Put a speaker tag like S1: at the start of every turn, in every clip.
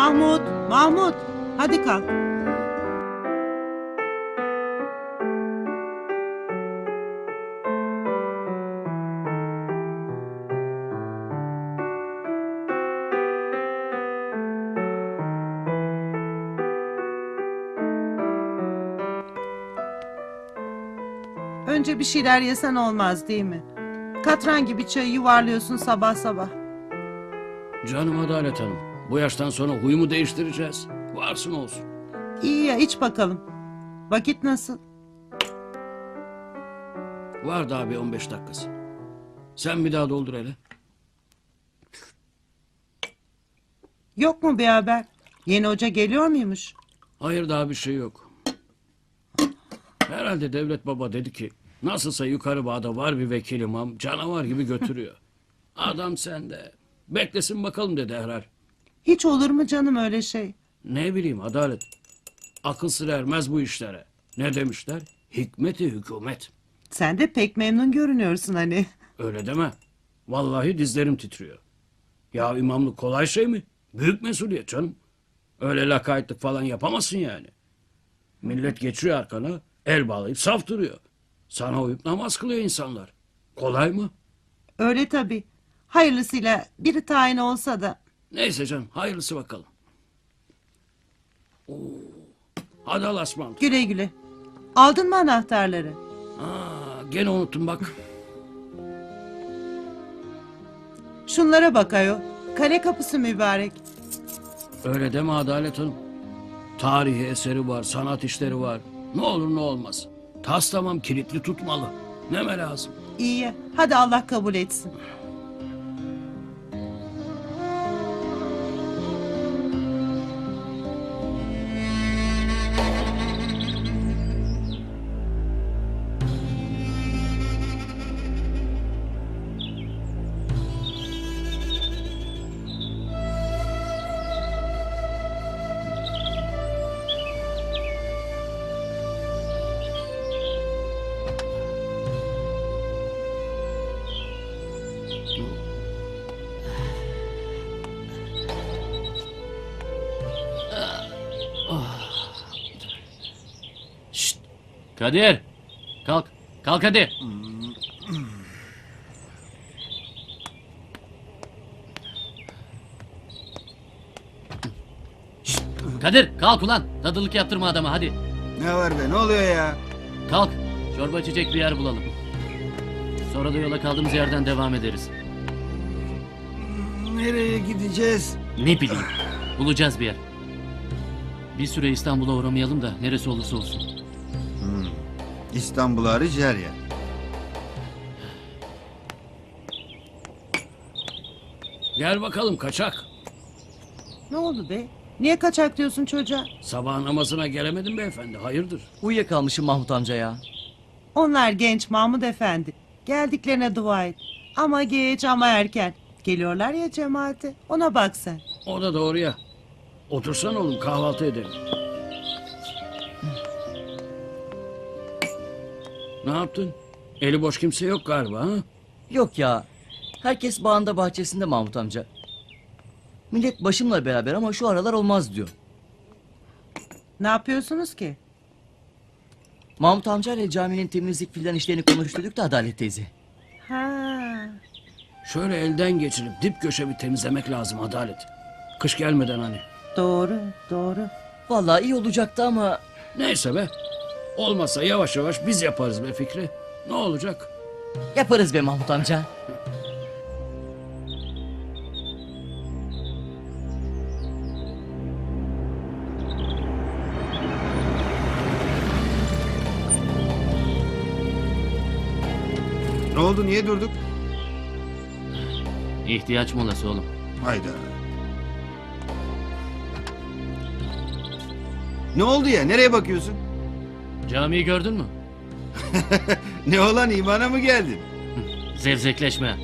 S1: Mahmut, Mahmut. Hadi kalk. Önce bir şeyler yesen olmaz değil mi? Katran gibi çayı yuvarlıyorsun sabah sabah.
S2: Canım Adalet Hanım. Bu yaştan sonra huyumu değiştireceğiz. Varsın olsun.
S1: İyi ya iç bakalım. Vakit nasıl?
S2: Var daha bir 15 dakikası. Sen bir daha doldur hele.
S1: Yok mu bir haber? Yeni hoca geliyor muymuş?
S2: Hayır daha bir şey yok. Herhalde Devlet Baba dedi ki nasılsa yukarı bağda var bir vekil imam canavar gibi götürüyor. Adam sende. Beklesin bakalım dedi herhal.
S1: Hiç olur mu canım öyle şey?
S2: Ne bileyim Adalet. Akıl sır ermez bu işlere. Ne demişler? Hikmeti hükümet.
S1: Sen de pek memnun görünüyorsun hani.
S2: Öyle deme. Vallahi dizlerim titriyor. Ya imamlık kolay şey mi? Büyük mesuliyet canım. Öyle lakaytlık falan yapamazsın yani. Millet geçiyor arkana, el bağlayıp saf duruyor. Sana uyup namaz kılıyor insanlar. Kolay mı?
S1: Öyle tabii. Hayırlısıyla biri tayin olsa da.
S2: Neyse canım, hayırlısı bakalım. Oo. Hadi Allah'a ısmarladık.
S1: Güle güle. Aldın mı anahtarları?
S2: Gene unuttum bak.
S1: Şunlara bak ayol. Kale kapısı mübarek.
S2: Öyle deme Adalet Hanım. Tarihi eseri var, sanat işleri var. Ne olur ne olmaz. Tas tamam kilitli tutmalı. Neme lazım?
S1: İyi ya. Hadi Allah kabul etsin.
S3: Şşt! Kadir! Kalk! Kalk hadi! Şşt! Kadir kalk ulan! Tadılık yaptırma adama hadi!
S4: Ne var be, ne oluyor ya?
S3: Kalk! Çorba içecek bir yer bulalım. Sonra da yola kaldığımız yerden devam ederiz.
S4: Nereye gideceğiz?
S3: Ne bileyim. Bulacağız bir yer. Bir süre İstanbul'a uğramayalım da neresi olursa olsun.
S4: İstanbul hariç her yer.
S2: Gel bakalım kaçak.
S1: Ne oldu be? Niye kaçak diyorsun çocuğa?
S2: Sabah namazına gelemedim beyefendi. Hayırdır?
S5: Uyuyakalmışım Mahmut amca ya.
S1: Onlar genç Mahmut Efendi. Geldiklerine dua et. Ama geç ama erken. Geliyorlar ya cemaate. Ona bak sen.
S2: O da doğru ya. Otursan oğlum kahvaltı edelim. Ne yaptın? Eli boş kimse yok galiba ha?
S5: Yok ya. Herkes bağında bahçesinde Mahmut amca. Millet başımla beraber ama şu aralar olmaz diyor.
S1: Ne yapıyorsunuz ki?
S5: Mahmut amca ile caminin temizlik filan işlerini konuşturduk da Adalet teyze.
S1: Ha.
S2: Şöyle elden geçirip dip köşe bir temizlemek lazım Adalet. Kış gelmeden hani.
S1: Doğru, doğru.
S5: Vallahi iyi olacaktı ama
S2: Neyse be. Olmazsa yavaş yavaş biz yaparız be Fikri. Ne olacak?
S5: yaparız be Mahmut amca.
S4: Ne oldu, niye durduk?
S3: İhtiyaç molası oğlum.
S4: Hayda. Ne oldu ya, nereye bakıyorsun?
S3: Camiyi gördün mü?
S4: Ne olan, imana mı geldin?
S3: Zevzekleşme.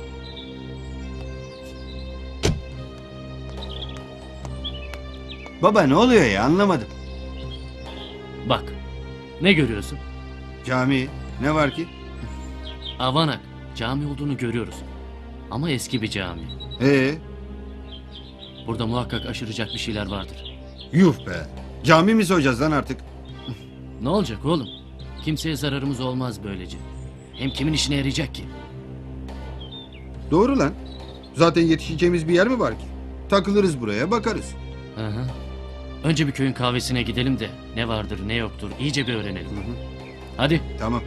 S4: Baba ne oluyor ya, anlamadım.
S3: Bak. Ne görüyorsun?
S4: Cami, ne var ki?
S3: Avanak. Cami olduğunu görüyoruz. Ama eski bir cami.
S4: Ee,
S3: Burada muhakkak aşıracak bir şeyler vardır.
S4: Yuh be. Cami mi soyacağız lan artık?
S3: Ne olacak oğlum? Kimseye zararımız olmaz böylece. Hem kimin işine yarayacak ki?
S4: Doğru lan. Zaten yetişeceğimiz bir yer mi var ki? Takılırız buraya bakarız.
S3: Hı hı. Önce bir köyün kahvesine gidelim de ne vardır ne yoktur iyice bir öğrenelim. Hadi.
S4: Tamam.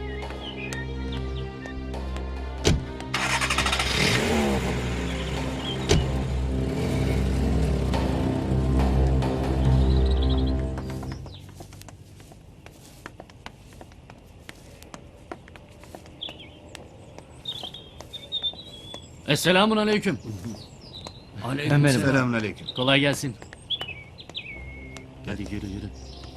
S3: Esselamun aleyküm.
S2: Aleykümselam.
S4: Selamünaleyküm.
S3: Kolay gelsin. Hadi yürü yürü.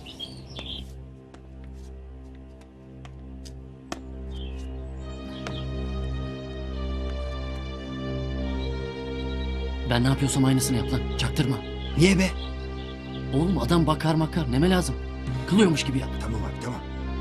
S3: Ben ne yapıyorsam aynısını yap lan. Çaktırma.
S4: Niye be?
S3: Oğlum adam bakar makar. Neme lazım? Kılıyormuş gibi yap.
S4: Tamam abi tamam.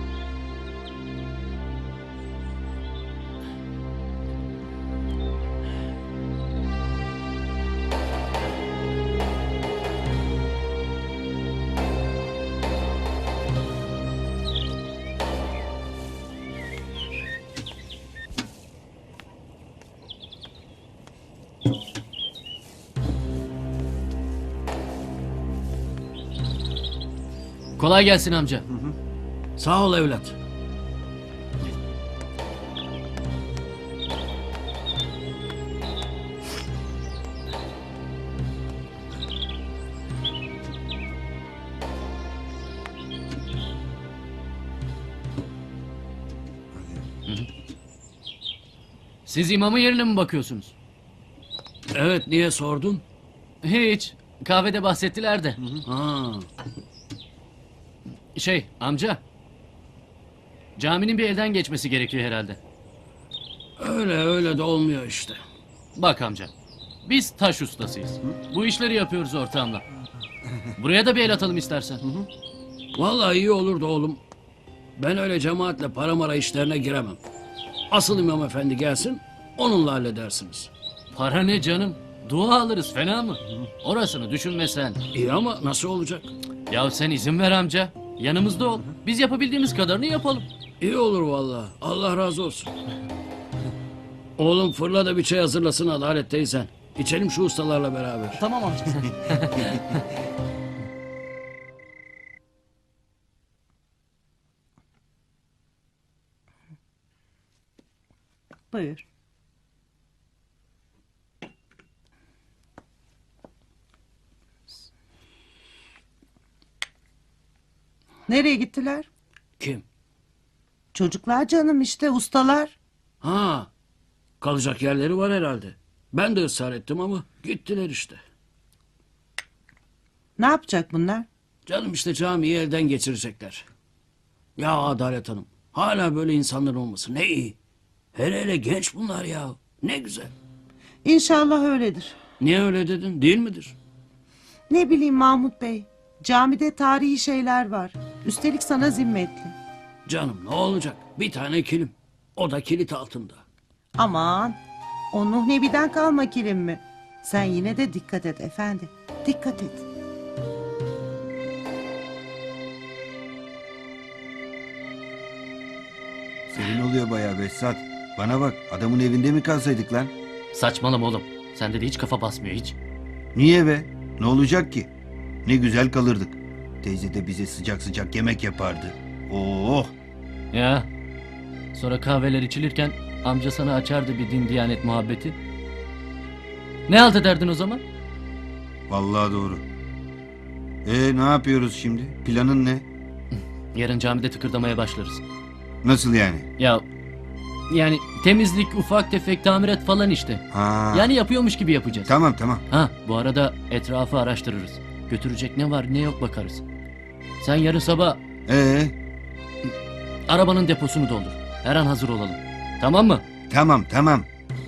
S3: Kolay gelsin amca.
S2: Sağ ol evlat.
S3: Siz imamın yerine mi bakıyorsunuz?
S2: Evet, niye sordun?
S3: Hiç. Kahvede bahsettiler de.
S2: Ha,
S3: Amca. Caminin bir elden geçmesi gerekiyor herhalde.
S2: öyle de olmuyor işte.
S3: Bak amca. Biz taş ustasıyız. Bu işleri yapıyoruz ortağımla. Buraya da bir el atalım istersen.
S2: Vallahi iyi olurdu oğlum. Ben öyle cemaatle para mara işlerine giremem. Asıl imam efendi gelsin, onunla halledersiniz.
S3: Para ne canım? Dua alırız fena mı? Orasını düşünme sen.
S2: İyi ama nasıl olacak?
S3: Ya sen izin ver amca. Yanımızda ol. Biz yapabildiğimiz kadarını yapalım.
S2: İyi olur vallahi. Allah razı olsun. Oğlum fırla da bir çay hazırlasın Adalet teyzen. İçelim şu ustalarla beraber.
S5: Tamam amca sen.
S1: Buyur. Nereye gittiler?
S2: Kim?
S1: Çocuklar canım işte ustalar.
S2: Ha, kalacak yerleri var herhalde. Ben de ısrar ettim ama gittiler işte.
S1: Ne yapacak bunlar?
S2: Canım işte camiyi elden geçirecekler. Ya Adalet Hanım, hala böyle insanlar olması ne iyi. Hele genç bunlar ya. Ne güzel.
S1: İnşallah öyledir.
S2: Niye öyle dedin? Değil midir?
S1: Ne bileyim Mahmut Bey. Camide tarihi şeyler var. Üstelik sana zimmetli.
S2: Canım ne olacak? Bir tane kilim. O da kilit altında.
S1: Aman. O Nuh Nebi'den kalma kilim mi? Sen yine de dikkat et efendi. Dikkat et.
S4: Senin oluyor bayağı Behzat. Bana bak adamın evinde mi kalsaydık lan?
S3: Saçmalama oğlum. Sende de hiç kafa basmıyor hiç.
S4: Niye be? Ne olacak ki? Ne güzel kalırdık. Teyze de bize sıcak sıcak yemek yapardı. Oh!
S3: Ya. Sonra kahveler içilirken amca sana açardı bir din diyanet muhabbeti. Ne halt ederdin o zaman?
S4: Vallahi doğru. Ne yapıyoruz şimdi? Planın ne?
S3: Yarın camide tıkırdamaya başlarız.
S4: Nasıl yani?
S3: Ya yani temizlik, ufak tefek tamirat falan işte.
S4: Ha.
S3: Yani yapıyormuş gibi yapacağız.
S4: Tamam tamam.
S3: Ha, bu arada etrafı araştırırız. Götürecek ne var ne yok bakarız. Sen yarın sabah arabanın deposunu doldur. Her an hazır olalım. Tamam mı?
S4: Tamam tamam.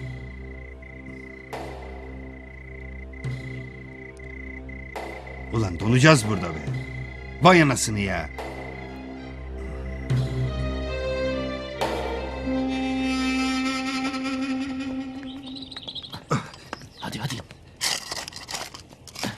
S4: Ulan donacağız burada be. Vay anasını ya.
S3: Hadi hadi.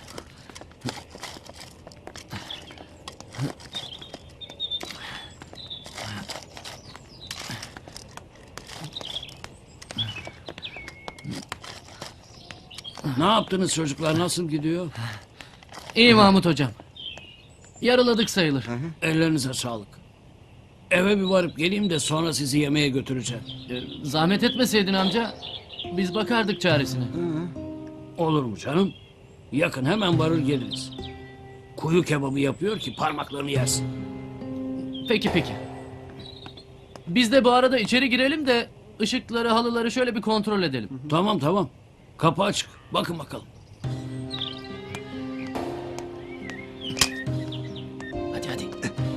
S2: Ne yaptınız çocuklar? Nasıl gidiyor?
S3: İyi Mahmut hocam. Yarıladık sayılır.
S2: Ellerinize sağlık. Eve bir varıp geleyim de sonra sizi yemeğe götüreceğim.
S3: Zahmet etmeseydin amca. Biz bakardık çaresine.
S2: Olur mu canım? Yakın, hemen varır geliriz. Kuyu kebabı yapıyor ki parmaklarını yersin.
S3: Peki peki. Biz de bu arada içeri girelim de ışıkları, halıları şöyle bir kontrol edelim.
S2: Tamam tamam. Kapı açık. Bakın bakalım.
S3: Hadi hadi.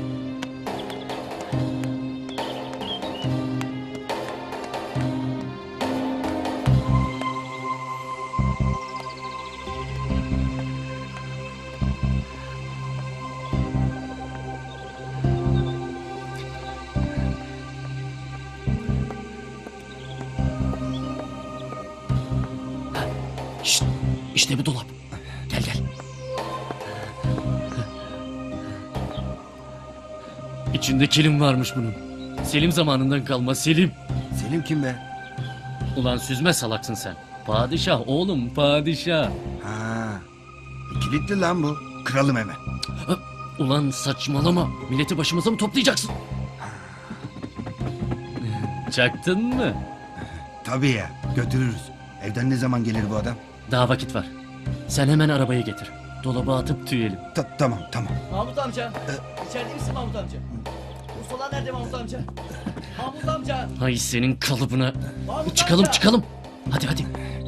S3: Şşt, işte bir dolap. Gel gel. İçinde kilim varmış bunun. Selim zamanından kalma Selim.
S4: Selim kim be?
S3: Ulan süzme salaksın sen. Padişah oğlum padişah.
S4: Ha. Kilitli lan bu. Kıralım hemen.
S3: Ulan saçmalama. Milleti başımıza mı toplayacaksın? Çaktın mı?
S4: Tabii ya. Götürürüz. Evden ne zaman gelir bu adam?
S3: Daha vakit var. Sen hemen arabayı getir. Dolaba atıp tüyelim.
S4: Tamam tamam.
S5: Mahmut amca. İçeride misin Mahmut amca? Mustafa nerede Mahmut amca? Mahmut amca.
S3: Hay senin kalıbına.
S5: Mahmut
S3: Çıkalım
S5: amca.
S3: çıkalım. Hadi hadi.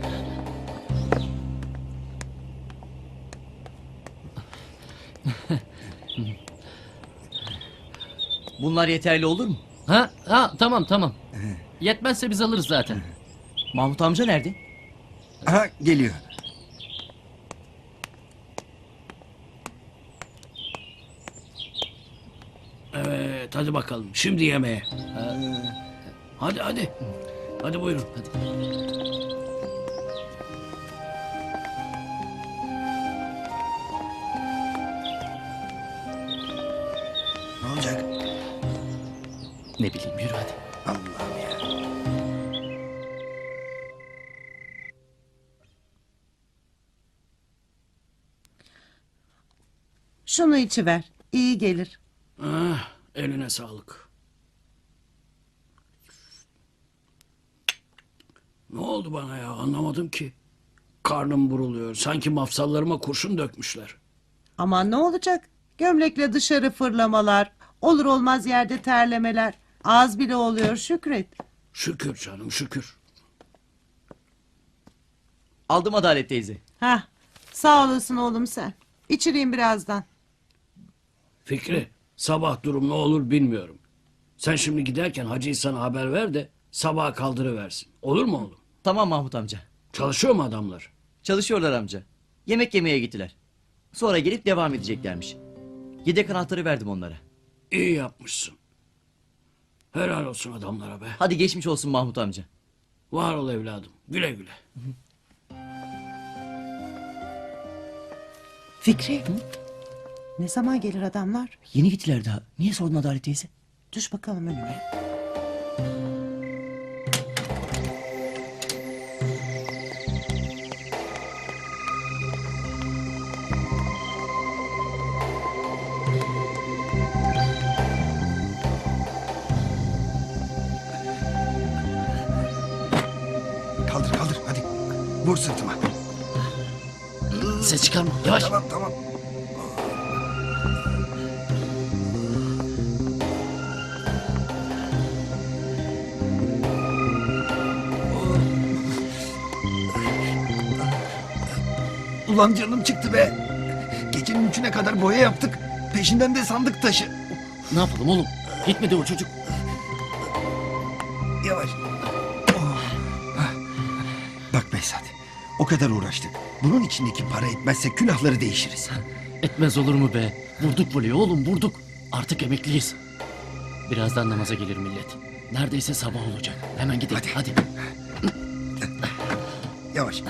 S5: Bunlar yeterli olur mu?
S3: Ha tamam tamam. Yetmezse biz alırız zaten.
S5: Mahmut amca nerede?
S4: Aha geliyor.
S2: Evet hadi bakalım. Şimdi yemeğe. Hadi hadi. Hadi buyurun.
S4: Ne olacak?
S3: Ne bileyim yürü hadi.
S4: Allah'ım ya.
S1: Şunu içiver. İyi gelir.
S2: Ah, eline sağlık. Ne oldu bana ya, anlamadım ki. Karnım buruluyor. Sanki mafsallarıma kurşun dökmüşler.
S1: Aman ne olacak? Gömlekle dışarı fırlamalar, olur olmaz yerde terlemeler. Az bile oluyor Şükret.
S2: Şükür canım şükür.
S5: Aldım Adalet teyze.
S1: Hah, sağ olasın oğlum sen. İçireyim birazdan.
S2: Fikri, sabah durum ne olur bilmiyorum. Sen şimdi giderken Hacı İhsan'a haber ver de sabaha kaldırıversin. Olur mu oğlum?
S5: Tamam Mahmut amca.
S2: Çalışıyor mu adamlar?
S5: Çalışıyorlar amca. Yemek yemeye gittiler. Sonra gelip devam edeceklermiş. Yedek anahtarı verdim onlara.
S2: İyi yapmışsın. Helal olsun adamlara be.
S5: Hadi geçmiş olsun Mahmut amca.
S2: Var ol evladım. Güle güle.
S1: Fikri, ne zaman gelir adamlar?
S5: Yeni gittiler daha. Niye sordun Adalet teyze?
S1: Düş bakalım önüme.
S4: Kaldır kaldır hadi. Vur sırtıma.
S3: Ses çıkarma yavaş.
S4: Tamam tamam. Ulan canım çıktı be. Gecenin 3'üne kadar boya yaptık. Peşinden de sandık taşı.
S3: Ne yapalım oğlum? Gitmedi o çocuk.
S4: Yavaş. Oh. Hah. Bak Behzat. O kadar uğraştık. Bunun içindeki para etmezse külahları değişiriz.
S3: Etmez olur mu be? Vurduk voleyi oğlum vurduk. Artık emekliyiz. Birazdan namaza gelir millet. Neredeyse sabah olacak. Hemen gidelim hadi.
S4: Yavaş.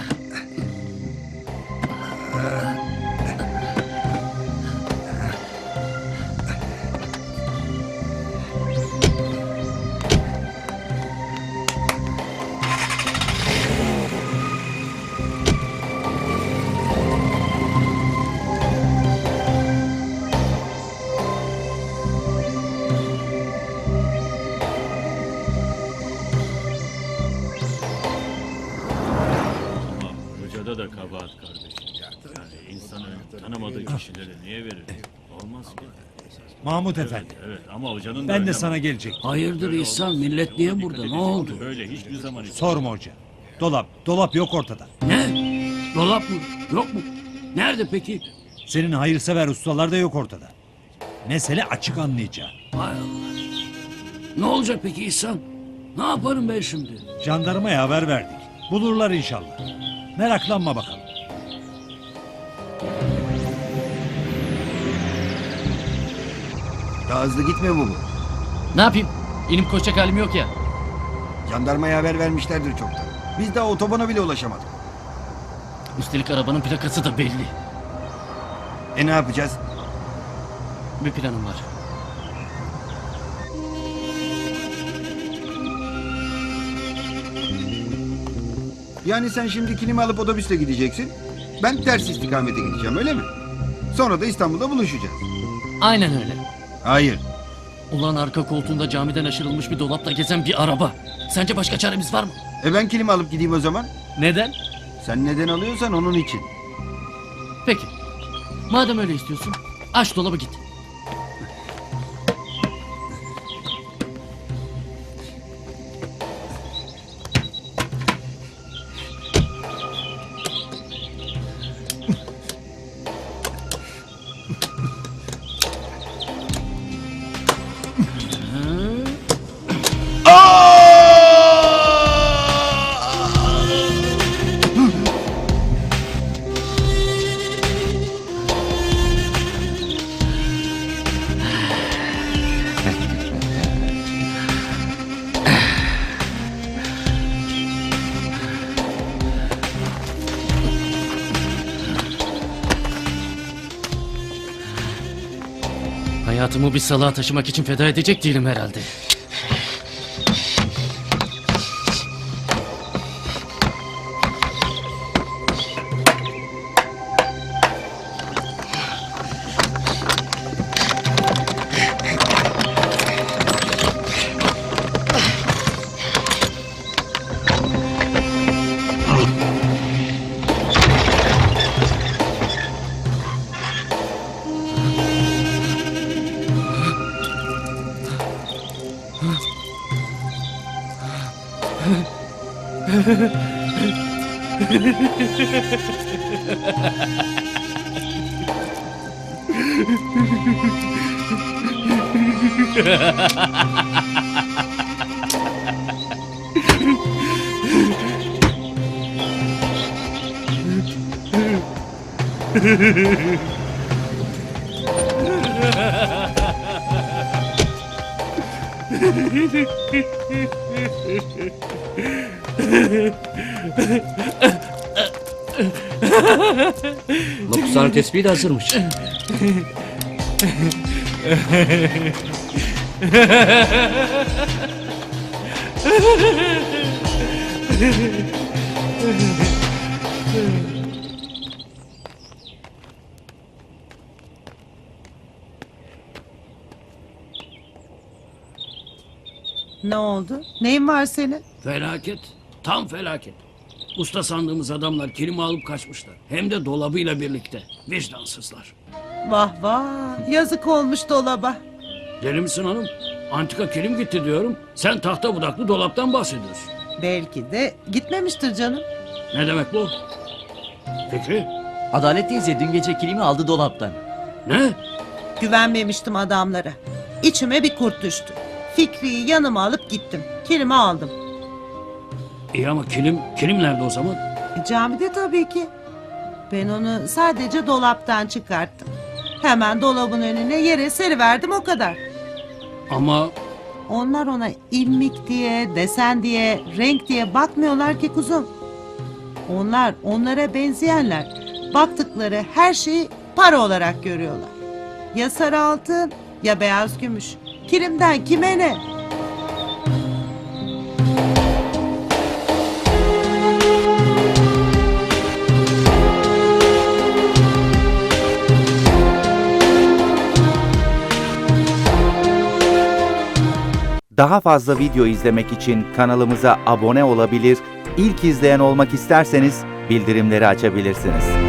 S6: Ortada da kabahat kardeşim. Yani insanın tanımadığı kişilere niye verir? Olmaz ki.
S7: Mahmut Efendi,
S6: Evet ama hocanın da
S7: ben de
S6: önlemi-
S7: sana gelecek.
S2: Hayırdır İhsan, millet niye burada? Ne oldu?
S6: Böyle hiçbir zaman
S7: Sorma hoca. Dolap yok ortada.
S2: Ne? Dolap mı? Yok mu? Nerede peki?
S7: Senin hayırsever ustalar da yok ortada. Mesele açık anlayacağın.
S2: Hay Allah. Ne olacak peki İhsan? Ne yaparım ben şimdi?
S7: Jandarmaya haber verdik. Bulurlar inşallah. Meraklanma bakalım.
S4: Daha hızlı gitmiyor mu bu?
S3: Ne yapayım? İnip koşacak halim yok ya.
S4: Jandarmaya haber vermişlerdir çoktan. Biz daha otobana bile ulaşamadık.
S3: Üstelik arabanın plakası da belli.
S4: Ne yapacağız?
S3: Bir planım var.
S4: Yani sen şimdi kilimi alıp otobüsle gideceksin. Ben ters istikamete gideceğim, öyle mi? Sonra da İstanbul'da buluşacağız.
S3: Aynen öyle.
S4: Hayır.
S3: Ulan arka koltuğunda camiden aşırılmış bir dolapla gezen bir araba. Sence başka çaremiz var mı?
S4: Ben kilimi alıp gideyim o zaman.
S3: Neden?
S4: Sen neden alıyorsan onun için.
S3: Peki. Madem öyle istiyorsun, aç dolabı git. Hayatımı bir salağa taşımak için feda edecek değilim herhalde.
S5: Mapushane tespihi de hazırmış.
S1: Ne oldu? Neyin var senin?
S2: Felaket. Tam felaket. Usta sandığımız adamlar kilimi alıp kaçmışlar. Hem de dolabıyla birlikte. Vicdansızlar.
S1: Vah vah. Yazık olmuş dolaba.
S2: Deli misin hanım? Antika kilim gitti diyorum. Sen tahta budaklı dolaptan bahsediyorsun.
S1: Belki de gitmemiştir canım.
S2: Ne demek bu? Fikri?
S5: Adalet teyze dün gece kilimi aldı dolaptan.
S2: Ne?
S1: Güvenmemiştim adamlara. İçime bir kurt düştü. Fikri'yi yanıma alıp gittim. Kilimi aldım.
S2: İyi ama kilim nerede o zaman?
S1: Camide tabii ki. Ben onu sadece dolaptan çıkarttım. Hemen dolabın önüne yere seriverdim, o kadar.
S2: Ama
S1: Onlar ona ilmik diye, desen diye, renk diye bakmıyorlar ki kuzum. Onlar onlara benzeyenler. Baktıkları her şeyi para olarak görüyorlar. Ya sarı altın ya beyaz gümüş. Kilimden kime ne?
S8: Daha fazla video izlemek için kanalımıza abone olabilir, ilk izleyen olmak isterseniz bildirimleri açabilirsiniz.